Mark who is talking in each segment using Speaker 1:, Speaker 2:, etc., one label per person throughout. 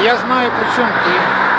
Speaker 1: Я знаю, при чому ти.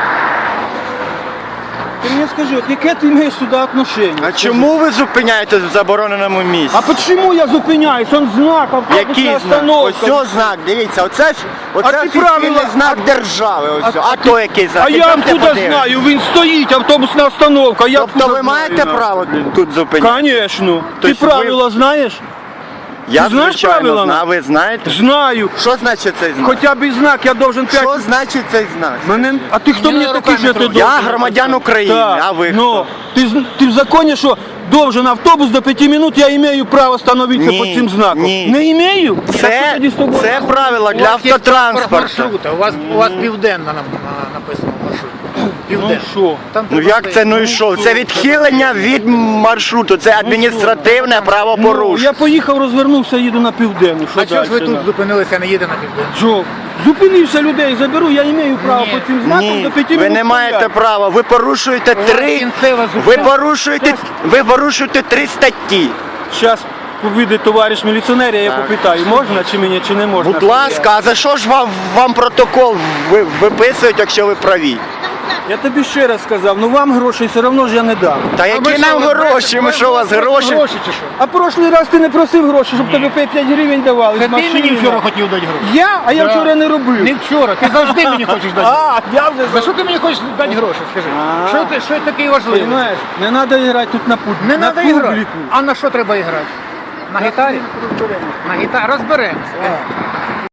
Speaker 2: Ти мені скажи, от яке ти маєш сюди отношення?
Speaker 3: А чому ви зупиняєтесь в забороненому місці?
Speaker 2: А чому я зупиняюсь? Он знак, автобусна
Speaker 3: Який знак?
Speaker 2: остановка.
Speaker 3: Ось знак, дивіться, оце
Speaker 2: ти
Speaker 3: офіційний
Speaker 2: правила-
Speaker 3: знак держави. Ось. А то який знак?
Speaker 2: А я
Speaker 3: Ідемте
Speaker 2: откуда
Speaker 3: подивимось.
Speaker 2: знаю? Він стоїть, автобусна остановка. Я
Speaker 3: Тобто
Speaker 2: откуда
Speaker 3: ви маєте
Speaker 2: знаю?
Speaker 3: право тут зупинятися?
Speaker 2: Конечно. Ти
Speaker 3: Тобто
Speaker 2: правила знаєш?
Speaker 3: Я,
Speaker 2: Ти знаєш
Speaker 3: звичайно,
Speaker 2: правила?
Speaker 3: знаю. Ви знаєте?
Speaker 2: Знаю.
Speaker 3: Що значить цей знак?
Speaker 2: Хоча б і знак, я должен 5...
Speaker 3: Що значить цей знак?
Speaker 2: А ти хто
Speaker 1: Мені
Speaker 2: мені такий,
Speaker 1: руками
Speaker 2: що ти
Speaker 1: трогай.
Speaker 2: должен?
Speaker 3: Я громадян України,
Speaker 2: Так,
Speaker 3: а ви
Speaker 2: ну,
Speaker 3: хто?
Speaker 2: ти в законі, що должен автобус до 5 минут, я имею право становитися
Speaker 3: Ні,
Speaker 2: по цим знаком.
Speaker 3: ні.
Speaker 2: Не имею?
Speaker 3: Це правила для автотранспорту.
Speaker 1: Маршрута. У вас південна написано маршрут.
Speaker 2: Ну
Speaker 1: Південна.
Speaker 2: що?
Speaker 1: Там
Speaker 3: Ну
Speaker 1: треба
Speaker 3: як це, ну і що? Це відхилення від маршруту, це адміністративне
Speaker 2: Ну,
Speaker 3: правопорушення.
Speaker 2: я поїхав, розвернувся, їду на південну.
Speaker 1: А чого ж ви
Speaker 2: дальше,
Speaker 1: тут зупинилися, а не їде на південну?
Speaker 2: Що? Зупинився людей, заберу, я маю право
Speaker 1: Ні.
Speaker 2: по цим знакам
Speaker 3: Ні,
Speaker 2: до 5
Speaker 3: ви
Speaker 2: минут
Speaker 3: не маєте
Speaker 2: стояти.
Speaker 3: права. Ви порушуєте
Speaker 1: кінцева
Speaker 3: ви
Speaker 1: зупинка.
Speaker 3: порушуєте 3 статті.
Speaker 2: Зараз вийде товариш міліціонер, я попитаю, можна чи мені, чи не можна.
Speaker 3: Будь ласка, а за що ж вам протокол виписують, якщо ви праві?
Speaker 2: Я тобі ще раз сказав, ну вам грошей все одно ж я не дам.
Speaker 3: Та які нам гроші? Ми що, у вас гроші?
Speaker 1: Гроші чи що?
Speaker 2: А прошлий раз ти не просив гроші, щоб тобі 5 гривень давали.
Speaker 1: Це
Speaker 2: з
Speaker 1: ти мені
Speaker 2: машини.
Speaker 1: вчора хотів дати гроші.
Speaker 2: Я? А я
Speaker 1: Да.
Speaker 2: вчора не робив.
Speaker 1: Не вчора, ти завжди мені хочеш дати гроші.
Speaker 2: А, я вже
Speaker 1: За що ти мені хочеш дати гроші, скажи?
Speaker 2: А.
Speaker 1: Що такий важливий?
Speaker 2: Понимаєш, не треба грати тут на публіку.
Speaker 1: Не
Speaker 2: на
Speaker 1: треба грати.
Speaker 2: публіку.
Speaker 1: А на що треба грати? На гітарі? На гітарі. Розберемося.